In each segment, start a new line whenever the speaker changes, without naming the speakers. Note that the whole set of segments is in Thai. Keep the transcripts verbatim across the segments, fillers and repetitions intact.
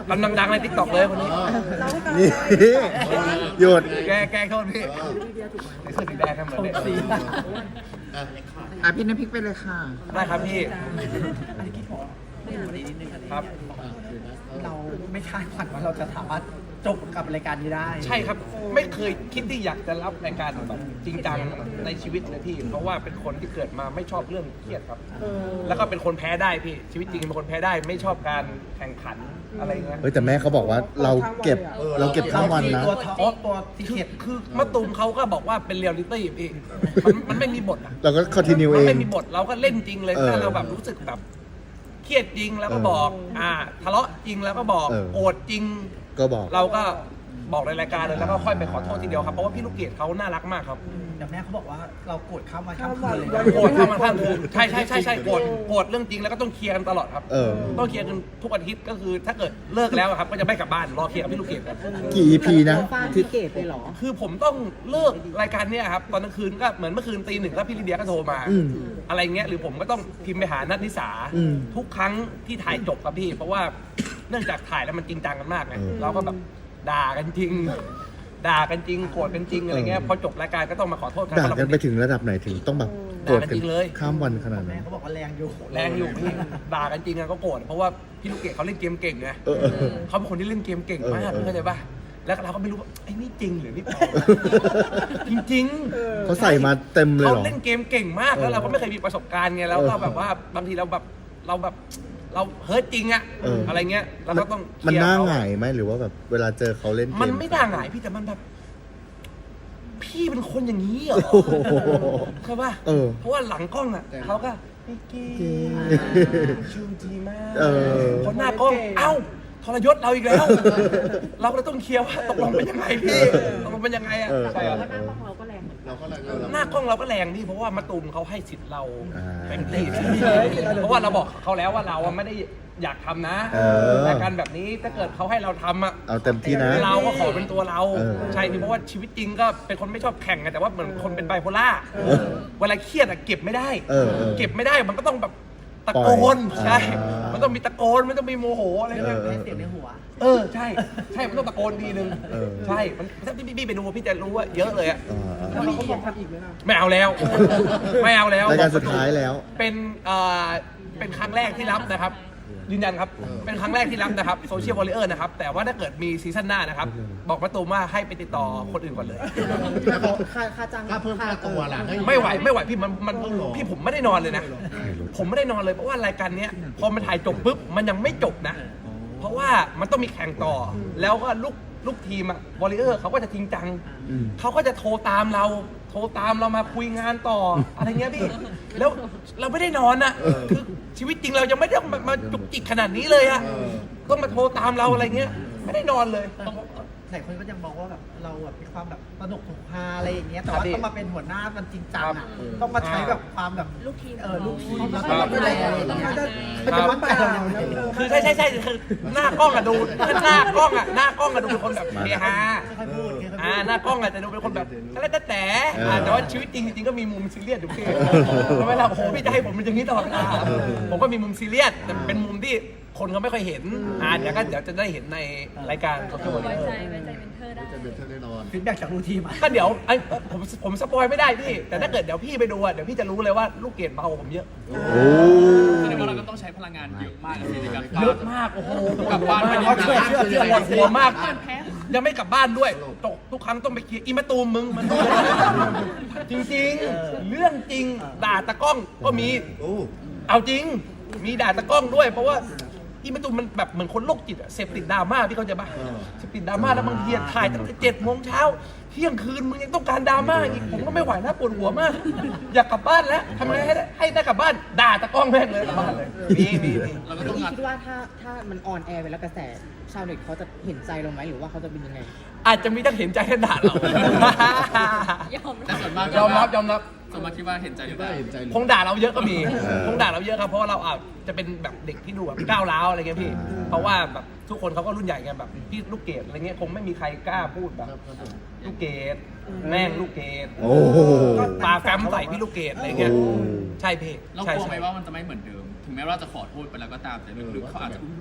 กำลังดังในทิกตอกเลยคนนี้
นี่หยุด
แกแกโทษพี่ในเสื้อสีแดงกันเหมือนเด็ก
อ่ะพี่น้ำพริกไปเลยค่ะ
ได้ครับพี่ครับ
เราไม่คาดฝันว่าเราจะสามารถจบกับรายการนี้ได้
ใช่ครับไม่เคยคิดที่อยากจะรับรายการแบบจริงจังในชีวิตเลยพี่เพราะว่าเป็นคนที่เกิดมาไม่ชอบเรื่องเครียดครับแล้วก็เป็นคนแพ้ได้พี่ชีวิตจริงเป็นคนแพ้ได้ไม่ชอบการแข่งขันอะไรเงี้ย
เฮ้ยแต่แม่เขาบอกว่าเราเก็บเราเก็บข้ามวันนะ
ตัวท็อปตัวที่
คือ
เข็ด
คือมะตูมเขาก็บอกว่าเป็นเรียลลิตี้พี่มันมันไม่มีบทอะ
เราก็คอนติเนีย
มั
เอน ง
ไม่มีบทเราก็เล่นจริงเลย
เออ
ถ้าเราแบบรู้สึกแบบเครียดจริงแล้วก็บอก
เอออ่
อ่าทะเลาะจริงแล้วก็บอก
เออ
โกรธจริง
ก็บอก
เราก็บอกในรายการเลยแล้วก็ค่อยไปขอโทษทีเดียวครับเพราะว่าพี่ลูกเกดเขาน่ารักมากครับ
แต่แม่เขาบอกว่าเราโกรธข้ามวันข้ามคืนเลยนะ
โกรธข้ามวันข้ามคืนใช่ใช่ใช่ใช่โกรธโกรธเรื่องจริงแล้วก็ต้องเคลียร์กันตลอดครับ
เออ
ต้องเคลียร์กันทุกอาทิตย์ก็คือถ้าเกิดเลิกแล้วอะครับก็จะไม่กลับบ้านรอเคลียร์กับพี่ลูกเกดครับ
กี่ อี พี นะ
ฟาด
ที่
พี่เกดเลยเหรอ
คือผมต้องเลิกรายการเนี้ยครับตอนกลางคืนก็เหมือนเมื่อคืนตีหนึ่งก็พี่ลิเดียก็โทรมา
อืม
อะไรเงี้ยหรือผมก็ต้องพิมพ์ไปหานัทนิสา
อืม
ทุกครั้งที่ถ่ายจบครับพี่ เพราะว่าเนื่องจากถ่ายแล้วมันจริงจังกันมากไง
เออ
เราก็แบบด่ากันจริง ด่ากันจริงโกรธกันจริงอะไรเงี้ย
เออ
พอจบรายการก็ต้องมาขอโทษกัน
ด่ากันไปถึงระดับไหนถึงต้องแบบโกรธกัน
ด่ากันจริงเลย
ข้ามวันขนาด
แม่
นั้น
เขาบอกว่าแรงอยู่
แรงอยู่พี่ด่ากันจริงอะก็โกรธเพราะว่าพี่ลูกเกดเขาเล่นเกมเก่งไง
เออเออเออ
เขาเป็นคนที่เล่นเกมเก่งมาก
เออเออ
เข้าใจป่ะแล้วเราก็ไม่รู้ว่าไอ้นี่จริงหรือนี่ปลอมจริงๆ
เขาใส่มาเต็มเลย
เขา
เหรอ
เล่นเกมเก่งมากแล้ว
เออ
เราก็ไม่เคยมีประสบการณ์ไงแล้วก็
เออ
แบบว่าบางทีเราแบบเราแบบเราเฮิร์ตจริงอะ
เอออ
อะไรเงี้ยเราก็ต้อง
มัน
เคลียร์
น่า
เข
หงายไหมหรือว่าแบบเวลาเจอเขาเล่นเกม
มันไม่น่าหงายพี่แต่มันแบบพี่เป็นคนอย่างนี้เหรอ
โอ้โห
ใช่ป่ะ
เออ
เพราะว่าหลังกล้องอะเขาก็พี่กี้
เก่ง
ชูดีมาก
เออ
คนหน้ากล้องเอ้าทรยศเราอีกแล้ว เราก็เลยต้องเคลียร์ว่าตกลงเป็นยังไงพี่ตกลงเป็นยังไงอะ
เออ
ใช่ครับ
หน้ากล้องเราก็แรงเหมือนกัน
เราก็เลย
หน้ากล้องเราก็แรงพี่เพราะว่ามาตูมเขาให้สิทธิ์เรา
อ่า
เต็มที่เพราะว่าเราบอกเขาแล้วว่าเราอะไม่ได้อยากทำนะ
เออ
รายการแบบนี้ถ้าเกิดเขาให้เราทำอะ
เอาเต็มที่นะ
เราก็ขอเป็นตัวเรา
เออ
ใช่พี่เพราะว่าชีวิตจริงก็เป็นคนไม่ชอบแข่งไงแต่ว่าเหมือนคนเป็นไบโพล่าเวลาเครียดอะเก็บไม่ได้
เออเออ
เก็บไม่ได้มันก็ต้องแบบตะ
ปล่
โก
อย
นใช่
อ่ามั
มันต้องมีตะโกนมันต้องมีโมโหอะไรเงี้ย
เออ
ให้เสียงในหัว
เออใช่ใช่มันต้องตะโกนทีนึง
เออ
ใช่มันถ้าพี่พี่ไปดูพี่จะรู้ว่าเยอะเลยอะ
อ่า
แล้วเขาบอกทำอีกไหมล่ะ
ไม่เอาแล้ว ไม่เอาแล้ว
รายการสุดท้ายแล้ว
เป็นเอ่อเป็นครั้งแรกที่รับนะครับยืนยันครับเป็นครั้งแรกที่รับนะครับโซเชียลวอลเลอร์นะครับแต่ว่าถ้าเกิดมีซีซั่นหน้านะครับบอกมาตูมว่าให้ไปติดต่อคนอื่นก่อนเลย
ค่าค่าจ้าง
ค่าเพิ่มค่าตัวล่ะ
ไม่ไหวไม่ไหวพี่มันมันพี่ผมไม่ได้นอนเลยนะ ผมไม่ได้นอนเลยเพราะว่ารายการเนี้ยพอมันถ่ายจบปุ๊บมันยังไม่จบนะ เพราะว่ามันต้องมีแข่งต่อ แล้วก็ลูกลูกทีมอะวอลเลอร์เขาก็จะจริงจัง
อืม
เขาก็จะโทรตามเรา โทรตามเรามาคุยงานต่อ อะไรเงี้ยพี่ แล้วเราไม่ได้นอนอะคือชีวิตจริงเรายังไม่ได้มามาจุกจิกขนาดนี้เลยอะต้องมาโทรตามเราอะไรเงี้ย ไม่ได้นอนเลย
หลายคนก็ยังมองว่าแบบเราแบบมีความแบบสนุกถูกพาอะไรอย่างเงี้ยแต่ว่า
ครับพี่
ต้องมาเป็นหัวหน้ามันจริงจัง
ครั
อ่ะ
บ
ต้องมาใช้แบบความแบบ
ลูกทีม
เออลูกทีมแล้ว
ครั
ก็
บ
ดูแลอะไรอย่างเงี้ยมันจะวัดไปเราอย่างเงี้ย
คือใช่ใช่ใช่คือหน้ากล้องอะดูหน้ากล้องอะหน้ากล้องอะดูเป็นคนแบบเฮฮา
ค่อยๆพูดค่อยๆพูด
อ่าหน้ากล้องอาจจะดูเป็นคนแบบอะไรแต่แต่อ่าแต่ว่าชีวิตจริงจริงๆก็มีมุมซีเรียสอยู่พี่ทำไมล่ะโอ้โหพี่จะให้ผมเป็นอย่างนี้ตลอดเวลาผมก็มีมุมซีเรียสแต่เป็นมุมที่คนเขาไม่ค่อยเห็นอ่าเดี๋ยวก็เดี๋ยวจะได้เห็นในรายการโซเชียล
ไว้
มี
ใจ
เดีย
ไว้ใจเป็นเธอได้
จะเป็นเท่าแน่นอน
ฟีดแบ็กจากลูกทีมอะ
ก็เดี๋ยวไอ้ผมผมสปอยไม่ได้พี่ แต่ถ้าเกิดเดี๋ยวพี่ไปดูอ่ะเดี๋ยวพี่จะรู้เลยว่าลูกเกดเบากว่าผมเยอะ
โอ้
แสดงว่าเราก็ต้องใช้พลังงานเยอะมากในการ
เยอะมากโอ้โห
กลับบ้านไป
เชื่อเชื่อเชื่อหมดหัวมาก
เหมือนแพ้
ยังไม่กลับบ้านด้วยตกทุกครั้งต้องไปเคลียร์อีมาตูมมึงมันจริงๆ เรื่องจริงด่าตะกล้องก็มี
โอ้
เอาจริง มีด่าตะกล้องด้วย เพราะว่าอีมาตูมมันแบบเหมือนคนโรคจิตอะเสพติดดราม่าพี่เข้าใจปะเสพติดดราม่าแล้วบางทีถ่ายตั้งแต่เจ็ดโมงเช้าเที่ยงคืนมึงยังต้องการดราม่าอีกผมก็ไม่ไหวนะปวดหัวมาก อยากกลับบ้านแล้วทำไงให้ได้ให้ได้กลับบ้านด่าตะกล้องแม่งเลยกลับบ้านเลยมีมีมี
เราก็ต้อง
พี่
งัด
คิดว่าถ้าถ้ามันออนแอร์ไปแล้วกระแสชาวเน็ตเขาจะเห็นใจเราไหมหรือว่าเขาจะเป็นยังไง
อาจจะมีทั้งเห็นใจและด่าเรา
ยอม
แต่ส่วนมาก
ยอมรับยอมรับ
ส่วนมากคิดว่าเห็นใจหรือเปล่า
ได้เห็นใจเลย
คงด่าเราเยอะก็มีคงด่าเราเยอะครับเพราะว่าเราอาจจะเป็นแบบเด็กที่ดูแบบก้าวร้าวอะไรเงี้ยพี่ เพราะว่าแบบทุกคนเขาก็รุ่นใหญ่ไงแบบพี่ลูกเกดอะไรเงี้ยคงไม่มีใครกล้าพูดแบบลูกเกดแม่งลูกเกด
โอ้โห
ปาแฟมใส่พี่ลูกเกดอะไรเงี้ย
โอ้
ใช่พี่
เรา
ใช่
กลัวไหม
ใช่
ว่ามันจะไม่เหมือนเดิม ถึงแม้ว่าเราจะขอโทษไปแล้วก็ตามแต่ลึกๆเขาอาจจะยัง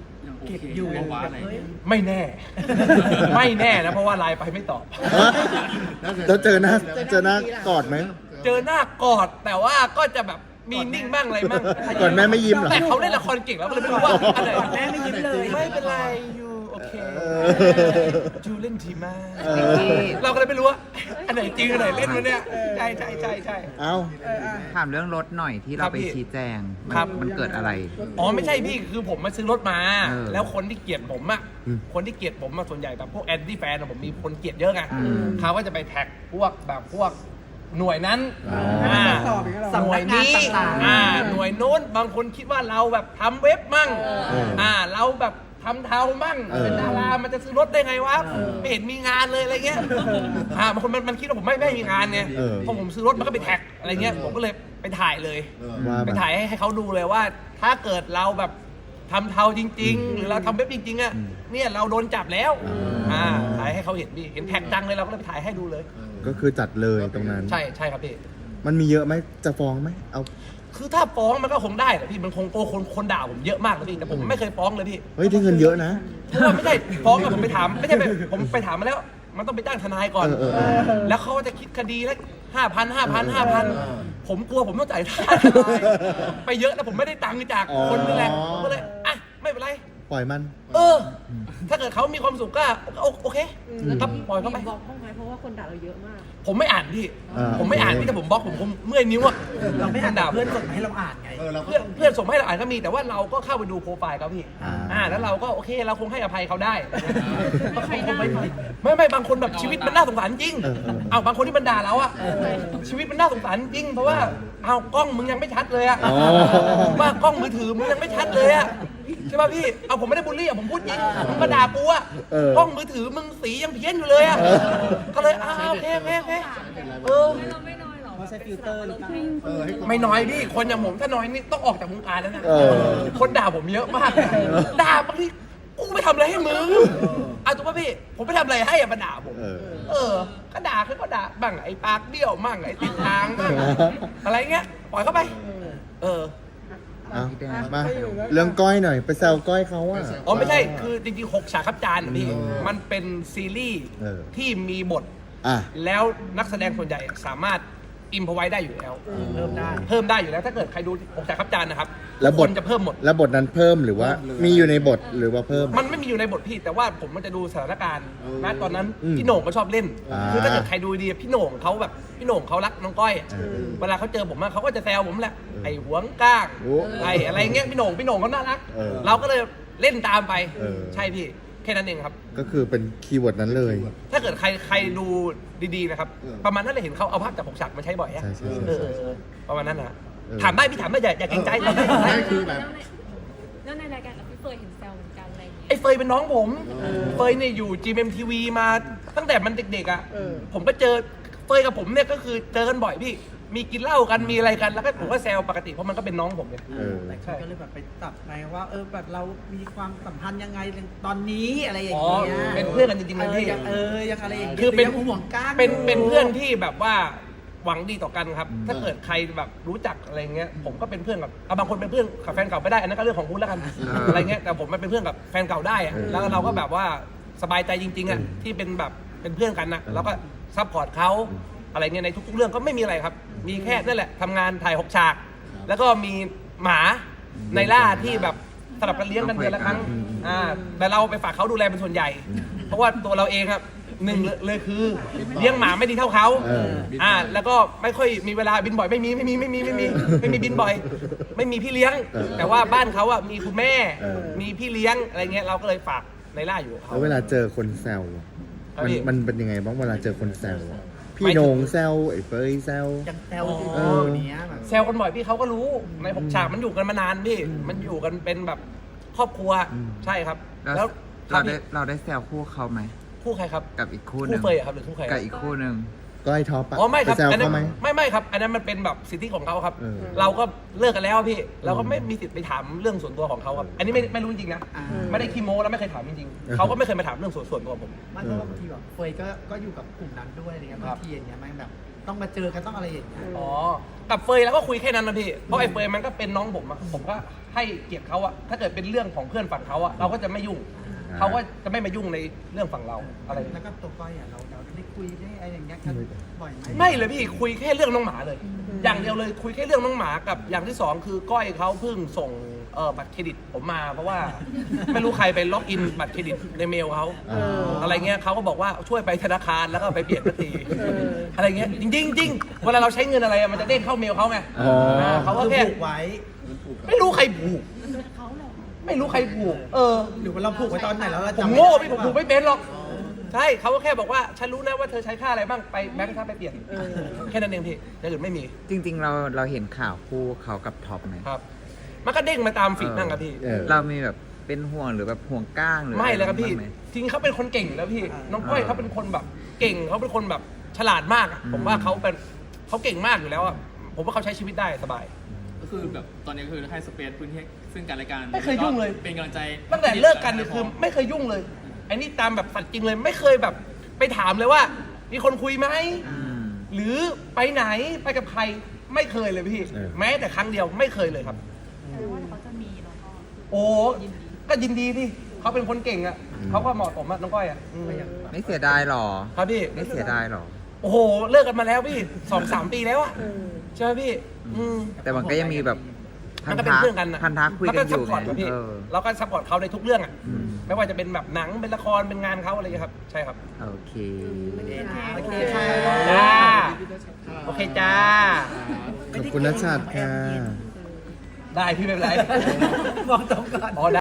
เก็บอยู่
โอเค
แบบ
อะไร
เฮ้ย
ไม่แน่ ไม่แน่นะเพราะว่าไลน์ไปไม่ตอบ
แล้วเจอหน้าเจอหน้ากอดไหม
เจอหน้ากอดแต่ว่าก็จะแบบมีนิ่งบ้างอะไรบ้าง
ก่อนแม่ไม่ยิ้มเหรอ
แต่เขาเล่นละครเก่งแล้วก็เลยไม่รู้ว่าอะไร
ก่อนแม่ไม่ยิ้มเลย
ไม่เป็นไรอยู่โอเค
เออ
จูเล่นทีมาก
เออ
เราก็เลยไม่รู้ว่าอันไหนจริงอันไหนเล่นวะเนี่ยใช่ใช่ใช่ใช่
เอ้า
ถามเรื่องรถหน่อยที่เราไปชี้แจงมัน
ครับ
มันเกิดอะไร
อ๋อไม่ใช่พี่คือผมมาซื้อรถมา
เออ
แล้วคนที่เกลียดผมอะ
อืม
คนที่เกลียดผมอะส่วนใหญ่แบบพวกแอนตี้แฟนผมมีคนเกลียดเยอะไง
อืม
เขาก็จะไปแท็กพวกแบบพวกหน่วยนั้น
อ๋ออ่
า
สำ
หน่
นั
วย
กงาน
นี้
ต่างๆ
อ่าหน่วยโน้นบางคนคิดว่าเราแบบทำเว็บมั่ง
เออ
อ่าเราแบบทำเทามั่ง
เออ
เป็นดารามันจะซื้อรถได้ไงวะไม่เห็นมีงานเลยอะไรเงี้ยอ่าบางคนมันมันคิดว่าผมไม่ไม่มีงานไง
เออ
พอผมซื้อรถมันก็ไปแท็กอะไรเงี้ยผมก็เลยไปถ่ายเลย
ว่า
ไป
มา
ถ่ายให้ให้เขาดูเลยว่า ถ้าเกิดเราแบบทำเทาจริง ๆ หรือเราทำเว็บจริงๆอ่ะ
อืม
เนี่ยเราโดนจับแล้ว
อ่า
อ่าถ่ายให้เขาเห็นดิเห็นแท็กจังเลยเราก็เลยไปถ่ายให้ดูเลย
ก็คือจัดเลยตรงนั้น
ใช่ใช่ครับพี่
มันมีเยอะไหมจะฟ้องไหมเอา
คือถ้าฟ้องมันก็คงได้แหละพี่มันคงโกคนคนด่าผมเยอะมากเลยพี่แต่ผมไม่เคยฟ้องเลยพี่
เฮ้ยได้เงินเยอะนะ
เพราะว่าไม่ใช่ฟ้องอะผมไปถามไม่ใช่ไปผมไปถามมาแล้ว มันต้องไปจ้างทนายก่อน
เออเออเออ
แล้วเขาจะคิดคดีละห้าพันห้าพันห้าพันผมกลัวผมต้องจ่ายค่าทนายไปเยอะแล้วผมไม่ได้ตังค์จากคนนี่แหละผมก็เลยอ่ะไม่เป็นไร
ปล่อยมัน
เออ ถ้าเกิดเขามีความสุขก็โอโอเคครับปล่อยเขาไป
บล็อกห้องไหมเพราะว่าคนด่าเราเยอะมาก
ผมไม่อ่านพี่
อ่า
ผมไม่อ่าน
โอเค
พี่แต่ผมบล็อกผมผมเมื่อยนิ้วอะ
เราไม่อ่าน
ด่า
เพื่
เพื่
อ
อน น
ส่งมาให้เราอ่านไง
เพื่อนเพื่อนส่งมาให้เราอ่านก็มีแต่ว่าเราก็เข้าไปดูโปรไฟล์เขาพี่
อ่า
อ่าแล้วเราก็โอเคเราคงให้อภัยเขาได้
ใครได้
ไม่ไม่บางคนแบบชีวิตมันน่าสงสารจริง
เออเออ
เอาบางคนที่มันด่าเราอะชีวิตมันน่าสงสารจริง เพราะว่าเอากล้องมึงยังไม่ชัดเลยอะ
อ๋อ
ว่ากล้องมือถือมึงยังไม่ชัดเลยอะใช่ป่ะพี่เอาผมไม่ได้บูลลี่อะผมพูดจริงมึงมาด่ากูอะ
เออก
ล้องมือถือมึงสียังเพี้ยนอยู่เลยอะ
เออ
ก็เลยอ้าวโอเคโอเคโอเคเออ
เราไม่น้อยหรอ
เขาใช้ฟิลเตอร์หรือเปล่า
ไม่น้อยพี่คนอย่างผมถ้าน้อยนี่ต้องออกจากวงการแล้วนะ
เออ
คนด่าผมเยอะมากนะด่าบางทีกูไม่ทำอะไรให้มึงเอาถูกป่ะพี่ผมไม่ทำอะไรให้อะมาด่าผม
เออ
เออ ก็ด่าเขาก็ด่าบ้างไอ้ปากเบี้ยวมั่งไอ้ติดทางบ้างอะไรเงี้ย ปล่อยเข้าไป เออ
เอามา เรื่องก้อยหน่อย ไปแซวก้อยเขาอ่ะ
อ๋อไม่ใช่ คือจริงๆหกฉากครับจานอะพี่ มันเป็นซีรีส์
เออ
ที่มีบท
อ่ะ
แล้วนักแสดงส่วนใหญ่สามารถอิมพอไว้ได้อยู่แล้ว
เริ่มได้
เพิ่มได้อยู่แล้ว ถ้าเกิดใครดูหกฉากครับจานนะครับ
แล้วบท
คนจะเพิ่มหมด
แล้วบทนั้นเพิ่มหรือว่า มีอยู่ในบทหรือว่าเพิ่ม
มันไม่มีอยู่ในบทพี่ แต่ว่าผมมันจะดูสถานการณ์นะตอนนั้น
อืม
พี่โหน่งก็ชอบเล่น
อ่า
คือถ้าเกิดใครดูดีพี่โหน่งเขาแบบพี่โหน่งเขารักน้องก้อยอะ
เออ
เวลาเขาเจอผมอะเขาก็จะแซวผมแหละ ไอ้หัวก้าง
โอ้
ไอ้อะไรเงี้ยพี่โหน่งพี่โหน่งเขาน่ารัก
เออ
เราก็เลยเล่นตามไป
เออ
ใช่พี่แค่นั้นเองครับ
ก็คือเป็นคีย์เวิร์ดนั้นเลย
ถ้าเกิดใครใครดูดีๆนะครับ ประมาณนั้นเลยเห็นเขาเอาภาพจากหกฉากมาใช้บ่อยอะ
ใช่ใช่ใช่
เออเออเออประมาณนั้นนะ
เออ
ถามได้พี่ถามได้อย่าอย่าเกรงใจ
ไม่คือแบบแล้วในรายการกับพี่เฟยเห็นแซวเหมือนกันอะไรอย่างเงี้ย
ไอ้เฟยเป็นน้องผม เฟยเนี่ยอยู่ จี เอ็ม ที วี มาตั้งแต่มันเด็กๆอ่ะ ผมก็เจอเฟยกับผมเนี่ยก็คือเจอกันบ่อยพี่ มีกินเหล้ากันมีอะไรกันแล้วก็ผมก็แซวปกติเพราะมันก็เป็นน้องผมไง
เออ
หลายคนก็เลยแบบไปจับไงว่า เออแบบเรามีความสัมพันธ์ยังไงตอนนี้อะไรอย่าง
อ๋อ
เงี้ย
เป็นเพื่อนกันจริงๆเลยพี่
ออยังเออยังอะไรอย่างเงี้ย
คือเป็น
ยังห่วงก้าง
เป็น
อยู่
เป็นเพื่อนที่แบบว่าหวังดีต่อกันครับ ถ้าเกิดใครแบบรู้จักอะไรเงี้ย ผมก็เป็นเพื่อนกับเอาบางคนเป็นเพื่อนกับแฟนเก่าไม่ได้ อันนั้นก็เรื่องของคุณแล้วกัน
อ่า
อะไรเงี้ย แต่ผมมันเป็นเพื่อนกับแฟนเก่าได้อะ
เออ
แล้วเราก็แบบว่าสบายใจจริงๆอ่ะ ที่เป็นแบบเป็นเพื่อนกันนะแล้วก็ซัพพอร์ตเขาอะไรเงี้ยในทุกๆเรื่องก็ไม่มีอะไรครับ มีแค่นั่นแหละทำงานถ่ายหกฉาก แล้วก็มีหมาในล่าที่แบบสลับกันเลี้ยงกันเดือนละครั้ง อ่า แต่เราไปฝากเขาดูแลเป็นส่วนใหญ่ เพราะว่าตัวเราเองครับหนึ่งเลยเลยคือเลี้ยงหมาไม่ดีเท่าเขา
เออ
อ่า แล้วก็ไม่ค่อยมีเวลาบินบ่อยไม่มีไม่มีไม่มีไม่มีไม่มีบินบ่อย ไม่มีพี่เลี้ยง
เออ
แต่ว่าบ้านเขาอ่ะมีคุณแม่
เออ
มีพี่เลี้ยงอะไรเงี้ยเราก็เลยฝากในล่าอยู่กับเขา
แล้วเวลาเจอคนแซวอะ
ครับ
มัน
พี่
มันเป็นยังไงบ้างเวลาเจอคนแซวอะพี่
หมายถึง
โหนงแซวไอ้เฟยแซว
ยังแซวอยู่
เออ
เนี้ยแบบ
แซวกันบ่อยพี่เขาก็รู้ในหกฉากมันอยู่กันมานานพี่ มันอยู่กันเป็นแบบครอบครัว
อืม
ใช่ครับ
แล้ว
แล้วครั
เรา
บ
ได้
พี่
เราได้แซวคู่เขาไหม
คู่ใครครับ
กับอีกคู่ห
คู่
นึ่ง
เฟยอะครับหรือคู่ใคร
กับอีกคู่หนึ่ง
ก้อยท็อปอะ
อ๋อไม่ครับ
ปแซว
อันนั้
เขา
น
ไหม
ไม่ไม่ครับ อันนั้นมันเป็นแบบสิทธิของเขาครับ
เออ
เราก็เลิกกันแล้วพี่ เราก็ไม่มีสิทธิ์ไปถามเรื่องส่วนตัวของเขาครับ อันนี้ไม่ไม่รู้จริงๆนะ
อ่า
ไม่ได้ขี้โม้แล้วไม่เคยถามจริง
เออ
ๆเขาก็ไม่เคยมาถามเรื่องส่วนส่วนตัวผม
มันก็บางทีแบบเฟยก็ก็อยู่กับกลุ่มนั้นด้วยอะไรเงี้ยบางทีอย่างเงี้ยมันแบบต้องมาเจอกันต้องอะไรอย่างเงี้ย
อ๋อ กับเฟยแล้วก็คุยแค่นั้นนะพี่ เพราะไอ้เฟยมันก็เป็นน้องผมอะผมก็ให้เกียรติเขาอะถ้าเกิดเป็นเรื่องของเพื่อนฝั่งเขาอะเราก็จะไม่ยุ่ง เขาก็จะไม่มายุ่งในเรื่องฝั่งเราอะไร
แล้วก็ตัวก้อยอ่ะเราเราได้คุยได้อะไรอย่างเงี้ยกันบ่อยไหม
ไม่เลยพี่คุยแค่เรื่องน้องหมาเลย อย่างเดียวเลยคุยแค่เรื่องน้องหมากับอย่างที่สองคือก้อยเขาเพิ่งส่งเออบัตรเครดิตผมมาเพราะว่า ไม่รู้ใครไปล็อกอินบัตรเครดิตในเมลเขาอะไรเงี้ยเขาก็บอกว่าช่วยไปธนาคารแล้วก็ไปเปลี่ยนบัตรทีอะไรเงี้ยจริงๆจริงเวลาเราใช้เงินอะไรอะมันจะเด้งเข้าเมลเขาไง
อ๋ออ่
าเขาก็
คือ
แค่
ผูกไว้
ไม่รู้ใครผูกไม่รู้ใครผูกเออ
หรือว่าเราผูกไว้ตอนไหนแล้วเรา
ผม
จำไม่
โง่
ได้
พี่ผมผูกไม่เป็นหรอกใช่เขาก็แค่บอกว่าฉันรู้นะว่าเธอใช้ค่าอะไรบ้างไปแบงค์ท่าไปเปลี่ยนแค่นั้นเองพี่อย่างอื่นไม่มี
จริง ๆ เราเราเห็นข่าวคู่เขากับท็อปไหม
ครับ มันก็เด้งมาตามฟีดนั่งครับพี่
เออ
เรามีแบบเป็นห่วงหรือแบบห่วงก้างหรือ
ไม่เลยครับพี่
อะไางไหม
จริงๆเขาเป็นคนเก่งอยู่แล้วพี่ น้องก้อย
อ่า
เขาเป็นคนแบบเก่งเขาเป็นคนแบบฉลาดมากอะ
อืม
ผมว่าเขาเป็นเขาเก่งมากอยู่แล้วอะผมว่าเขาใช้ชีวิตได้สบาย
ก็คือแบบตอนนี้คือให้สเปซพื้นที่ซึ่งกันและกัน
ไม่เคยยุ่งเลย
เป็นกำลังใจ
ตั้งแต่เลิกกันเนี่ยคือไม่เคยยุ่งเลยไอ้นี่ตามแบบสัตว์จริงเลยไม่เคยแบบไปถามเลยว่า มีคนคุยไหม
อืม
หรือไปไหนไปกับใครไม่เคยเลยพี่
เออ
แม้แต่ครั้งเดียวไม่เคยเลยครับ
แต่ว่าเขาจะมีแล้วก็
โอ้ก็ยินดีพี่เขาเป็นคนเก่งอะเขาก็เหมาะสมอะน้องก้อยอะอืม
ไม่เสียดายหรอ
ครับพี่
ไม่เสียดายหรอ
โอ้โหเลิกกันมาแล้วพี่สองสามปีแล้วอะใช่ไหมพี่อืม
แต่มันก็ยังมีแบบ
มันก็เป็นเพื่อนกันนะ
พันธะคุย
มั
กันอ
ซัพ
ยู่
พอร์ต
ไง
กับพี่
เออ
เราก็ซัพพอร์ตเขาในทุกเรื่องอะ
อืม
ไม่ว่าจะเป็นแบบหนังเป็นละครเป็นงานเขาอะไรอย่างเงี้ยครับใช่ครับ
โอเค
โอเคค่ะ
จ้าโอเคจ้า
ขอบคุณนัชชัดค่ะ
ได้พี่ไม่เป็นไร
มองตรงก่อน
อ๋อได้